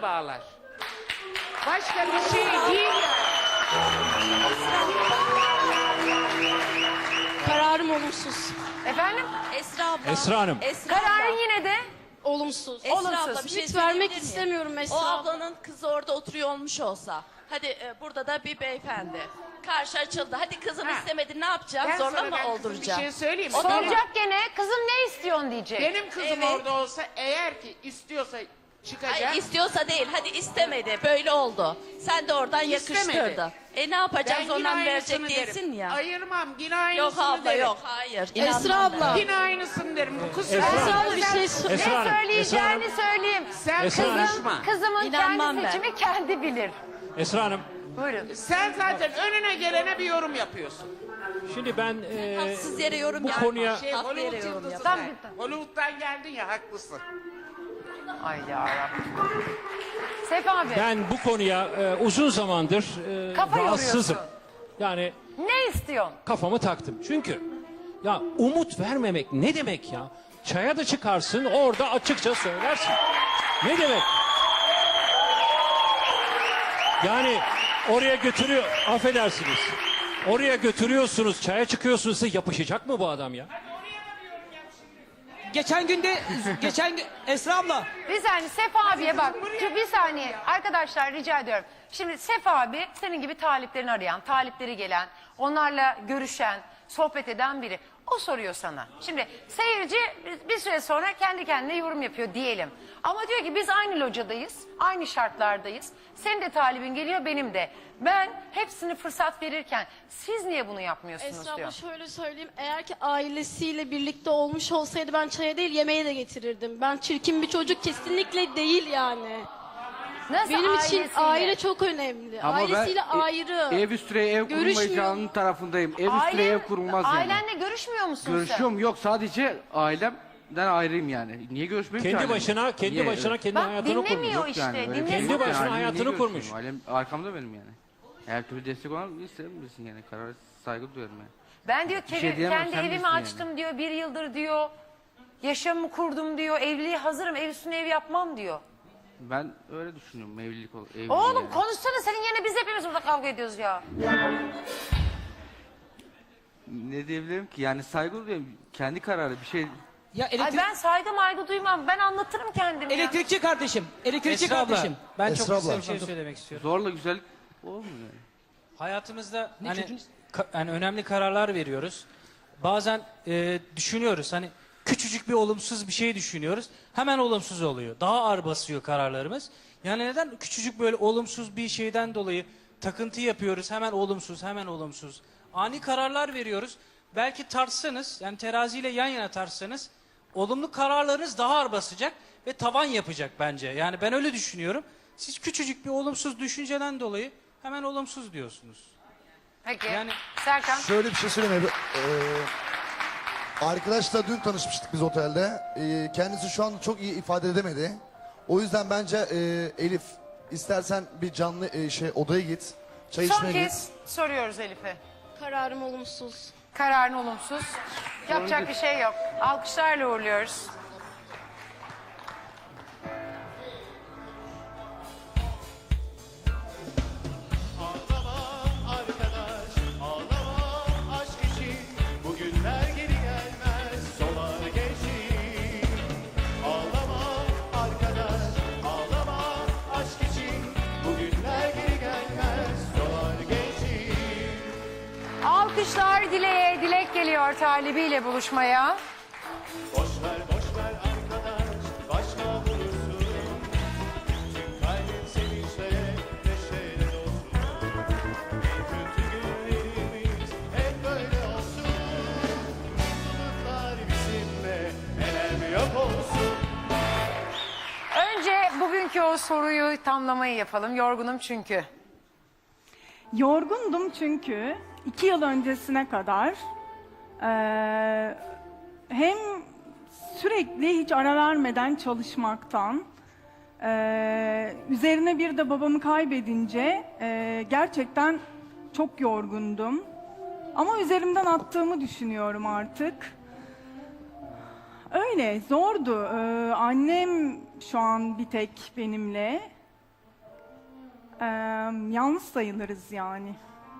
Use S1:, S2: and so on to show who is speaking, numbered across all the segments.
S1: bağlar. Başka bir şey değil yani.
S2: Kararım olumsuz.
S3: Efendim?
S4: Esra abla.
S5: Esra Hanım.
S4: Esra abla.
S3: Kararın yine de
S2: Olumsuz.
S4: Esra
S3: olumsuz.
S4: abla bir şey
S2: Hiç vermek
S4: söyleyebilir miyim?
S2: istemiyorum Esra
S4: O
S2: abla.
S4: ablanın kızı orada oturuyor olmuş olsa. Hadi burada da bir beyefendi. Karşı açıldı. Hadi kızım
S1: Ha.
S4: istemedi ne yapacağız?
S1: Ben
S4: Zorla
S1: sana
S4: mı
S1: ben kızım
S4: olduracağız?
S1: bir şey söyleyeyim.
S4: O
S3: soracak gene kızım ne istiyorsun diyecek.
S1: Benim kızım
S4: Evet.
S1: orada olsa eğer ki istiyorsa çıkacak.
S4: Hayır istiyorsa değil. Hadi istemedi. Böyle oldu. Sen de oradan
S1: İstemedi.
S4: yakıştırdı. Ne yapacağız?
S1: Ben yine
S4: Ondan
S1: aynısını
S4: verecek değilsin
S1: derim.
S4: ya.
S1: Ayırmam yine aynısını
S4: Yok abla
S1: derim.
S4: yok. Hayır.
S2: Esra
S4: İnanmam ben.
S2: abla.
S1: Yine aynısını derim. Bu kız
S5: Esra
S2: Esra abla bir şey
S5: Esra
S3: Ne
S5: Hanım, Esra
S3: söyleyeceğini
S5: Hanım,
S3: söyleyeyim.
S1: Sen
S5: Esra Hanım.
S1: konuşma.
S3: Kızımın
S4: İnanmam
S3: kendi
S4: ben.
S3: seçimi kendi bilir.
S5: Esra Hanım.
S3: Buyurun.
S1: Sen zaten önüne gelene bir yorum yapıyorsun.
S5: Şimdi ben
S4: Haksız yere yorum
S5: bu
S4: yapma.
S5: konuya
S4: Haklı yere
S1: Hollywood
S4: yorum
S1: yıldızı
S4: yap.
S3: Tamam,
S1: sen.
S3: bitti.
S1: Hollywood'dan geldin ya haklısın.
S3: Ay yarabbim. Sefa abi
S5: ben bu konuya uzun zamandır
S3: Kafa
S5: rahatsızım.
S3: yoruyorsun.
S5: Yani
S3: ne istiyorsun?
S5: kafamı taktım. Çünkü ya umut vermemek ne demek ya? Çaya da çıkarsın orada açıkça söylersin. Ne demek? Yani oraya götürüyor, affedersiniz. Oraya götürüyorsunuz, çaya çıkıyorsunuz, size yapışacak mı bu adam ya?
S6: Geçen Esra abla.
S3: Bir saniye Sefa abiye bak. Bir saniye arkadaşlar rica ediyorum. Şimdi Sefa abi senin gibi taliplerini arayan, talipleri gelen, onlarla görüşen, sohbet eden biri. O soruyor sana. Şimdi seyirci bir süre sonra kendi kendine yorum yapıyor diyelim. Ama diyor ki biz aynı locadayız, aynı şartlardayız. Senin de talibin geliyor benim de. Ben hepsini fırsat verirken siz niye bunu yapmıyorsunuz
S2: Esra abla
S3: diyor.
S2: şöyle söyleyeyim. Eğer ki ailesiyle birlikte olmuş olsaydı ben çaya değil yemeğe de getirirdim. Ben çirkin bir çocuk kesinlikle değil yani.
S3: Nasıl
S2: Benim için
S3: ailesiyle?
S2: aile çok önemli. Ailesiyle ayrı.
S7: Ev üstüne ev kurulmayacağının tarafındayım. Ev üstüne ev kurulmaz yani.
S3: Ailenle görüşmüyor musun sen?
S7: Görüşüyorum yok sadece ailemden ayrıyım yani. Niye görüşmeyeyim ki
S5: Kendi
S7: ailemle?
S5: başına, kendi
S7: Niye?
S5: başına kendi
S3: Bak,
S5: hayatını kurmuş.
S3: dinlemiyor
S7: Yok
S3: işte,
S7: yani, öyle bir şey
S3: dinlesin.
S7: yok
S5: Kendi başına
S7: yani. Niye
S5: hayatını kurmuş.
S7: görüşmeyeyim? Ailem arkamda benim yani. Her türlü destek olan isterim bilsin yani. Karara saygı duyarım yani.
S3: Ben diyor
S7: şey diyemem,
S3: kendi
S7: sen
S3: evimi
S7: bilirsin yani.
S3: açtım diyor, bir yıldır diyor. Yaşamımı kurdum diyor, evliliğe hazırım, ev üstüne ev yapmam diyor.
S7: Ben öyle düşünüyorum evlilik ol. Evlilik
S3: Oğlum
S7: yani.
S3: konuşsana, senin yerine biz hepimiz burada kavga ediyoruz ya.
S7: Ne diyebilirim ki yani saygı duyuyorum. Kendi kararı bir şey.
S6: Ya
S3: Ay ben saygı duymam, ben anlatırım kendimi ya.
S6: elektrikçi kardeşim. Elektrikçi
S8: Esra abla,
S6: kardeşim.
S8: ben
S9: Esra
S8: çok kısa
S9: abla.
S8: bir şey söylemek istiyorum.
S7: Zorla güzellik olmuyor yani.
S8: Hayatımızda
S6: Ne
S8: hani,
S6: çocuğun-
S8: hani önemli kararlar veriyoruz. Bazen düşünüyoruz hani küçücük bir olumsuz bir şey düşünüyoruz. Hemen olumsuz oluyor. Daha ağır basıyor kararlarımız. Yani neden küçücük böyle olumsuz bir şeyden dolayı takıntı yapıyoruz. Hemen olumsuz, hemen olumsuz. Ani kararlar veriyoruz. Belki tartsanız yani teraziyle yan yana tartsanız olumlu kararlarınız daha ağır basacak ve tavan yapacak bence. Yani ben öyle düşünüyorum. Siz küçücük bir olumsuz düşünceden dolayı hemen olumsuz diyorsunuz.
S3: Peki,
S8: Yani-
S3: Serkan.
S9: Şöyle bir şey söyleyeyim. Arkadaşla dün tanışmıştık biz otelde. Kendisi şu an çok iyi ifade edemedi. O yüzden bence Elif istersen bir canlı odaya git. Çay
S3: Son
S9: içmeye git.
S3: kez soruyoruz Elif'e.
S2: Kararım olumsuz.
S3: Kararın olumsuz. Yapacak bir şey yok. Alkışlarla uğurluyoruz.
S10: Ağlamam arkadaş, ağlamam aşk için. Bugünler geri gelmez, solar geçin. Ağlamam arkadaş, ağlamam aşk için. Bugünler geri gelmez, solar geçin.
S3: Alkışlar Dilek'e. Dilek geliyor talibiyle buluşmaya.
S10: Boş ver arkadaş, başka bulursun. Tüm kalbin sevinçle, neşeyle dolsun. Kötü günlerimiz hep böyle olsun. Mutluluklar bizimle, elem yok olsun.
S3: Önce bugünkü o soruyu tamlamayı yapalım. Yorgunum çünkü.
S11: Yorgundum çünkü 2 yıl öncesine kadar hem sürekli hiç ara vermeden çalışmaktan üzerine bir de babamı kaybedince gerçekten çok yorgundum. Ama üzerimden attığımı düşünüyorum artık. Öyle zordu. Annem şu an bir tek benimle. Yalnız sayılırız yani.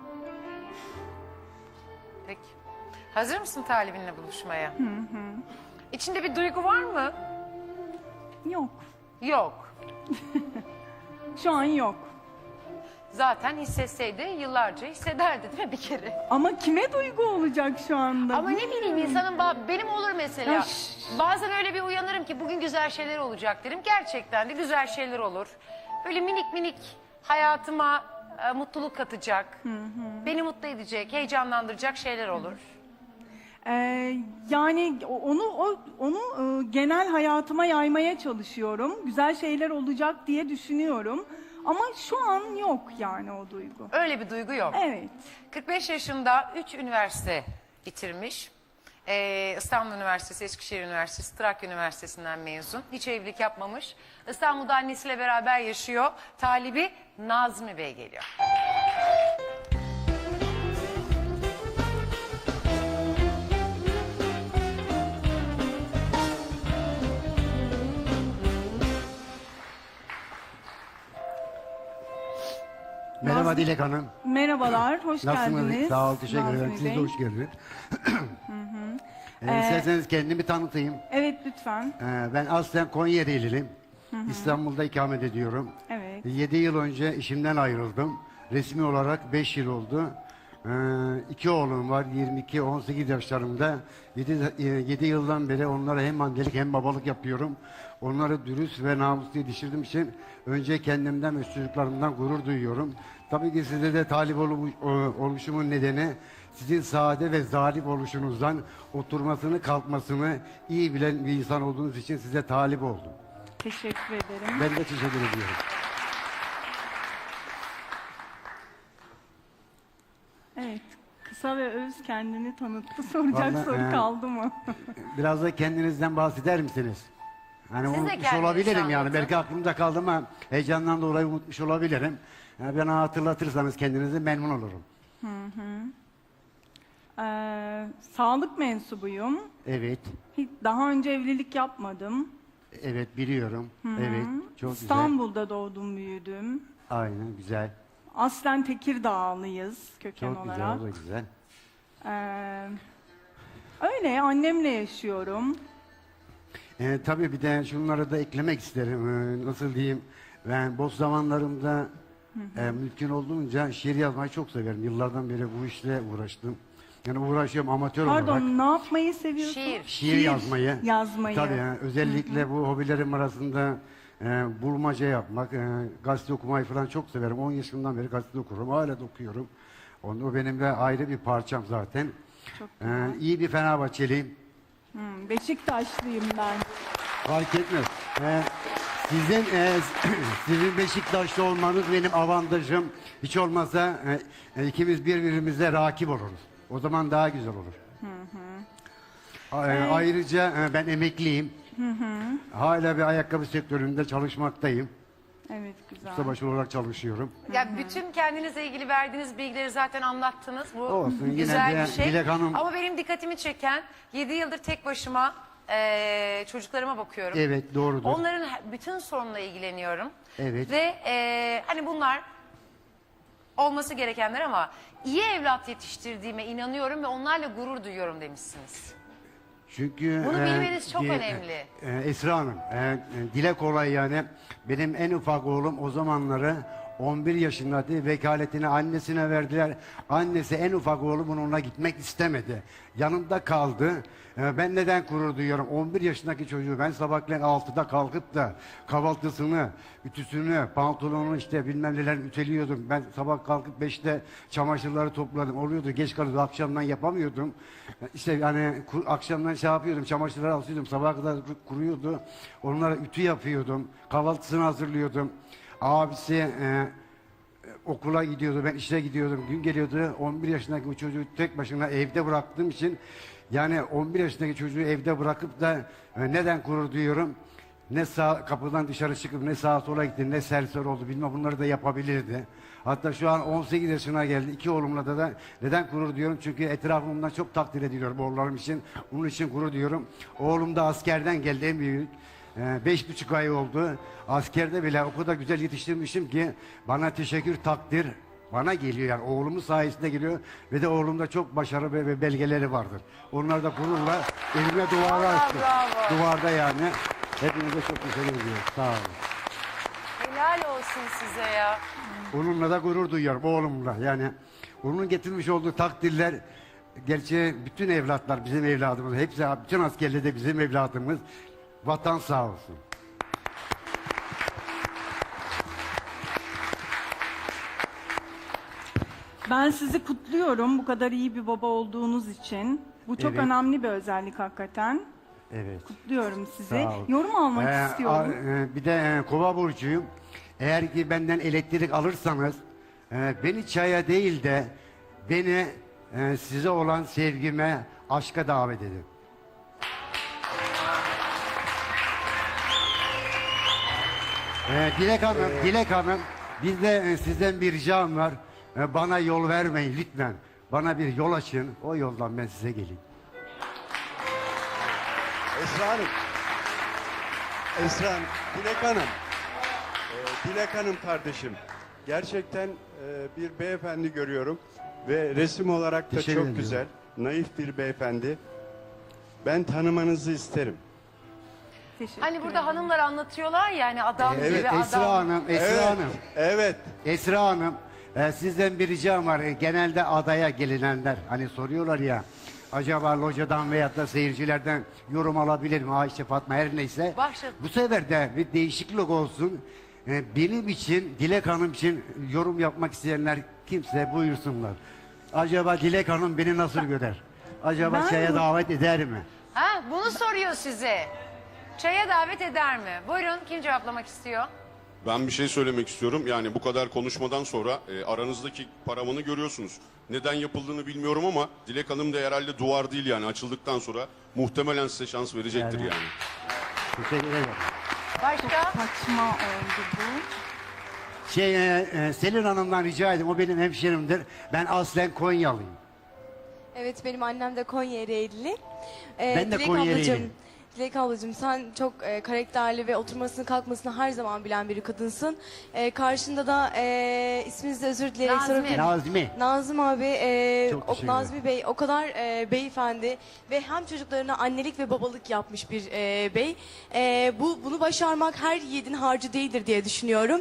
S3: Peki. Hazır mısın talibinle buluşmaya? İçinde bir duygu var mı?
S11: Yok.
S3: Yok.
S11: Şu an yok.
S3: Zaten hissetseydi yıllarca hissederdi değil mi bir kere?
S11: Ama kime duygu olacak şu anda?
S3: Ama ne bileyim insanın benim olur mesela.
S11: Ya
S3: Bazen öyle bir uyanırım ki bugün güzel şeyler olacak derim. Gerçekten de güzel şeyler olur. Böyle minik minik hayatıma mutluluk katacak. Beni mutlu edecek, heyecanlandıracak şeyler olur.
S11: Yani onu genel hayatıma yaymaya çalışıyorum. Güzel şeyler olacak diye düşünüyorum. Ama şu an yok yani o duygu.
S3: Öyle bir duygu yok.
S11: Evet.
S3: 45 yaşında 3 üniversite bitirmiş. İstanbul Üniversitesi, Eskişehir Üniversitesi, Trakya Üniversitesi'nden mezun. Hiç evlilik yapmamış. İstanbul'da annesiyle beraber yaşıyor. Talibi Nazmi Bey geliyor.
S12: Merhaba Dilek Hanım.
S11: Merhabalar, hoş
S12: Nasılsınız?
S11: geldiniz.
S12: Sağ ol, teşekkür
S11: Nazmi
S12: ederim. Siz de
S11: Bey.
S12: hoş geldiniz. İsterseniz kendimi tanıtayım.
S11: Evet, lütfen.
S12: Ben aslen Konyaalılıyım. İstanbul'da ikamet ediyorum.
S11: Evet.
S12: 7 yıl önce işimden ayrıldım. Resmi olarak 5 yıl oldu. 2 oğlum var, 22, 18 yaşlarında. 7 yıldan beri onlara hem annelik hem babalık yapıyorum. Onları dürüst ve namuslu yetiştirdiğim için önce kendimden ve çocuklarımdan gurur duyuyorum. Tabii ki size de talip oluşumun nedeni sizin sade ve zarif oluşunuzdan oturmasını kalkmasını iyi bilen bir insan olduğunuz için size talip oldum.
S11: Teşekkür ederim.
S12: Ben de teşekkür ediyorum.
S11: Evet, kısa ve öz kendini tanıttı. Soracak
S12: Vallahi,
S11: soru kaldı mı?
S12: Biraz da kendinizden bahseder misiniz? Hani
S3: Siz de
S12: unutmuş
S3: kendinizi
S12: olabilirim yani.
S3: anlatın.
S12: Belki aklımda kaldı ama heyecandan dolayı unutmuş olabilirim. Yani bana hatırlatırsanız kendinizi memnun olurum.
S11: Sağlık mensubuyum.
S12: Evet,
S11: Hiç daha önce evlilik yapmadım.
S12: evet biliyorum. Evet, çok güzel.
S11: İstanbul'da doğdum, büyüdüm.
S12: Aynen, güzel.
S11: Aslen Tekirdağlıyız köken
S12: Çok güzel,
S11: olarak.
S12: o da güzel.
S11: Öyle, annemle yaşıyorum.
S12: Tabii bir de şunları da eklemek isterim. Nasıl diyeyim, ben boş zamanlarımda mümkün olduğunca şiir yazmayı çok severim. Yıllardan beri bu işle uğraştım. Yani uğraşıyorum amatör olarak.
S11: Pardon, ne yapmayı seviyorsun?
S12: Şiir yazmayı.
S11: Yazmayı.
S12: Tabii yani özellikle bu hobilerim arasında bulmaca yapmak, gazete okumayı falan çok severim. 10 yaşından beri gazete okurum, hala da okuyorum. O benim de ayrı bir parçam zaten.
S11: Çok
S12: İyi bir Fenerbahçeliyim.
S11: Beşiktaşlıyım ben.
S12: Fark etmez. Sizin Beşiktaşlı olmanız benim avantajım. Hiç olmazsa ikimiz birbirimize rakip oluruz. O zaman daha güzel olur. Ayrıca ben emekliyim. Hala bir ayakkabı sektöründe çalışmaktayım.
S11: Evet, güzel.
S12: Ustabaşı olarak çalışıyorum.
S3: Ya bütün kendinizle ilgili verdiğiniz bilgileri zaten anlattınız. Bu
S12: Olsun, yine
S3: güzel
S12: de
S3: bir şey.
S12: Dilek Hanım-
S3: Ama benim dikkatimi çeken 7 yıldır tek başıma çocuklarıma bakıyorum.
S12: Evet, doğrudur.
S3: Onların bütün sorunla ilgileniyorum.
S12: Evet.
S3: Ve hani bunlar olması gerekenler ama iyi evlat yetiştirdiğime inanıyorum ve onlarla gurur duyuyorum demişsiniz.
S12: Çünkü
S3: Bunu bilmeniz çok önemli.
S12: Esra Hanım, dile kolay yani. Benim en ufak oğlum o zamanları 11 yaşındaydı. Vekaletini annesine verdiler. Annesi en ufak oğlumun onunla gitmek istemedi. Yanımda kaldı. Ben neden gurur duyuyorum? 11 yaşındaki çocuğu ben sabahleyin 6'da kalkıp da kahvaltısını, ütüsünü, pantolonunu işte bilmem neler üteliyordum. Ben sabah kalkıp 5'te çamaşırları topladım. Oluyordu, geç kalıyordu. Akşamdan yapamıyordum. İşte yani akşamdan şey yapıyordum, çamaşırları asıyordum. Sabaha kadar kuruyordu. Onlara ütü yapıyordum. Kahvaltısını hazırlıyordum. Abisi okula gidiyordu, ben işe gidiyordum. Gün geliyordu, 11 yaşındaki bu çocuğu tek başına evde bıraktığım için yani 11 yaşındaki çocuğu evde bırakıp da neden gurur duyuyorum? Ne sağ kapıdan dışarı çıkıp ne sağa sola gitti, ne serseri oldu bilmem bunları da yapabilirdi. Hatta şu an 18 yaşına geldi. 2 oğlumla da neden gurur duyuyorum? Çünkü etrafımdan çok takdir ediliyorum oğullarım için. Onun için gurur duyuyorum. Oğlum da askerden geldi en büyük. 5,5 ay oldu. Askerde bile o kadar güzel yetiştirmişim ki bana teşekkür, takdir bana geliyor. Yani oğlumun sayesinde geliyor ve de oğlumda çok başarı ve belgeleri vardır. Onlar da gururla elime duvarı açtı.
S3: bravo.
S12: Duvarda yani. Hepinize çok teşekkür ediyorum. Sağ olun.
S3: Helal olsun size ya.
S12: Onunla da gurur duyuyorum, oğlumla. Yani onun getirmiş olduğu takdirler, gerçi bütün evlatlar bizim evladımız. Hepsi, bütün askerler de bizim evladımız. Vatan sağ olsun.
S11: Ben sizi kutluyorum bu kadar iyi bir baba olduğunuz için. Bu çok
S12: Evet.
S11: önemli bir özellik hakikaten.
S12: Evet.
S11: Kutluyorum sizi.
S12: Sağ ol.
S11: Yorum almak istiyorum.
S12: Bir de Kova burcuyum. Eğer ki benden elektrik alırsanız beni çaya değil de beni size olan sevgime, aşka davet edin. Dilek Hanım, bizde sizden bir ricam var. Bana yol vermeyin lütfen. Bana bir yol açın. O yoldan ben size geleyim.
S10: Esra Hanım. Esra Hanım, Dilek Hanım. Dilek Hanım kardeşim. Gerçekten bir beyefendi görüyorum. Ve resim olarak da
S12: Teşekkür
S10: çok
S12: ediyorum.
S10: güzel. Naif bir beyefendi. Ben tanımanızı isterim.
S11: Teşekkür
S3: Hani burada
S11: ederim.
S3: hanımlar anlatıyorlar ya hani adam
S10: Evet,
S3: gibi adam.
S12: Esra Hanım.
S10: Evet.
S12: Esra Hanım, sizden bir ricam var. Genelde adaya gelinenler hani soruyorlar ya, acaba locadan veyahut da seyircilerden yorum alabilir mi Ayşe, Fatma, her neyse.
S3: Başladı.
S12: Bu sefer de bir değişiklik olsun. Benim için, Dilek Hanım için yorum yapmak isteyenler kimse buyursunlar. Acaba Dilek Hanım beni nasıl görer? Acaba
S11: Ben
S12: çaya
S11: bu-
S12: davet eder mi?
S3: Ha, bunu soruyor size. Çaya davet eder mi? Buyurun, kim cevaplamak istiyor?
S13: Ben bir şey söylemek istiyorum. Yani bu kadar konuşmadan sonra aranızdaki paravanı görüyorsunuz. Neden yapıldığını bilmiyorum ama Dilek Hanım da herhalde duvar değil yani açıldıktan sonra muhtemelen size şans verecektir
S12: Yani.
S13: yani.
S12: Teşekkür ederim.
S3: Başka?
S11: Saçma oldu bu.
S12: Selin Hanım'dan rica edeyim. O benim hemşerimdir. Ben aslen Konyalıyım.
S14: Evet benim annem de Konya Ereğlili.
S12: Ben de
S14: Dilek
S12: Konya
S14: ablacığım,
S12: Ereğliyim.
S14: Dilek ablacığım sen çok karakterli ve oturmasını kalkmasını her zaman bilen bir kadınsın. Karşında da isminizi özür dileyerek
S3: Nazmi.
S14: sorabilirim.
S12: Nazmi.
S14: Nazım abi,
S12: Çok teşekkür
S14: Nazmi Bey o kadar beyefendi ve hem çocuklarına annelik ve babalık yapmış bir bey. Bunu başarmak her yiğidin harcı değildir diye düşünüyorum.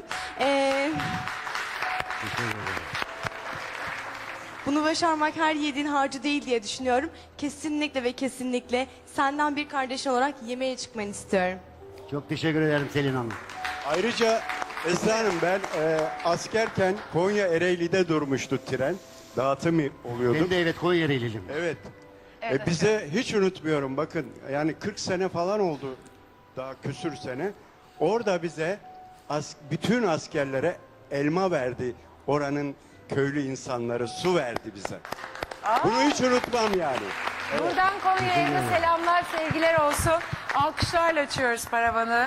S14: Bunu başarmak her yiğidin harcı değil diye düşünüyorum. Kesinlikle ve kesinlikle senden bir kardeş olarak yemeğe çıkmanı istiyorum.
S12: Çok teşekkür ederim Selin Hanım.
S10: Ayrıca Esra Hanım ben askerken Konya Ereğli'de durmuştu tren. Dağıtım oluyordu.
S12: Ben de evet Konya Ereğliyim.
S10: Evet.
S3: Evet,
S10: Bize hiç unutmuyorum bakın yani 40 sene falan oldu daha küsür sene. Orada bize bütün askerlere elma verdi oranın köylü insanları, su verdi bize. Bunu hiç unutmam yani.
S3: Buradan Konya'ya selamlar, sevgiler olsun. Alkışlarla açıyoruz paravanı.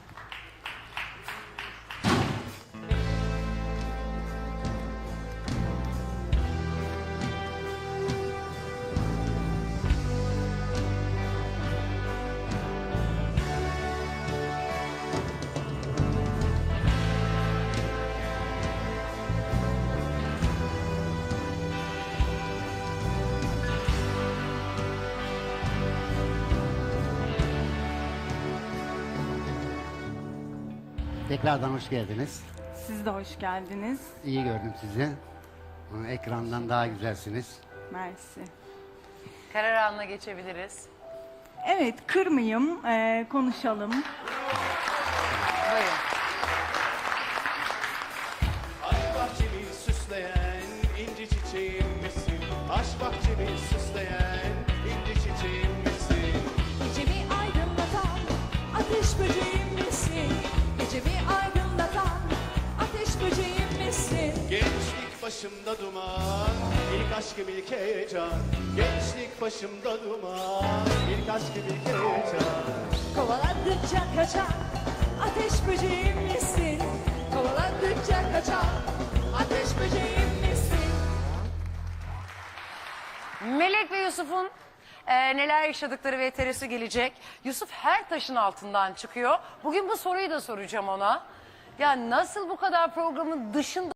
S12: Tekrardan hoş geldiniz.
S11: Siz de hoş geldiniz.
S12: İyi gördüm sizi. Ekrandan daha güzelsiniz.
S11: Mersi.
S3: Karar anına geçebiliriz.
S11: Evet, kırmayayım, konuşalım.
S3: Buyurun.
S10: Aşk bahçemi süsleyen inci çiçeğim misin? Aşk bahçemi süsleyen inci çiçeğim misin?
S15: Gecemi aydınlatan ateş böceğim misin? Gecemi aydınlatan ateş böceğim misin?
S10: Gençlik başımda duman, ilk aşkım ilk heyecan. Gençlik başımda duman, ilk aşkım ilk heyecan.
S15: Kovaladıkça kaçan ateş böceğim misin? Kovaladıkça kaçan ateş böceğim misin?
S3: Melek ve Yusuf'un neler yaşadıkları ve VTR'si gelecek. Yusuf her taşın altından çıkıyor. Bugün bu soruyu da soracağım ona. Ya nasıl bu kadar programın dışında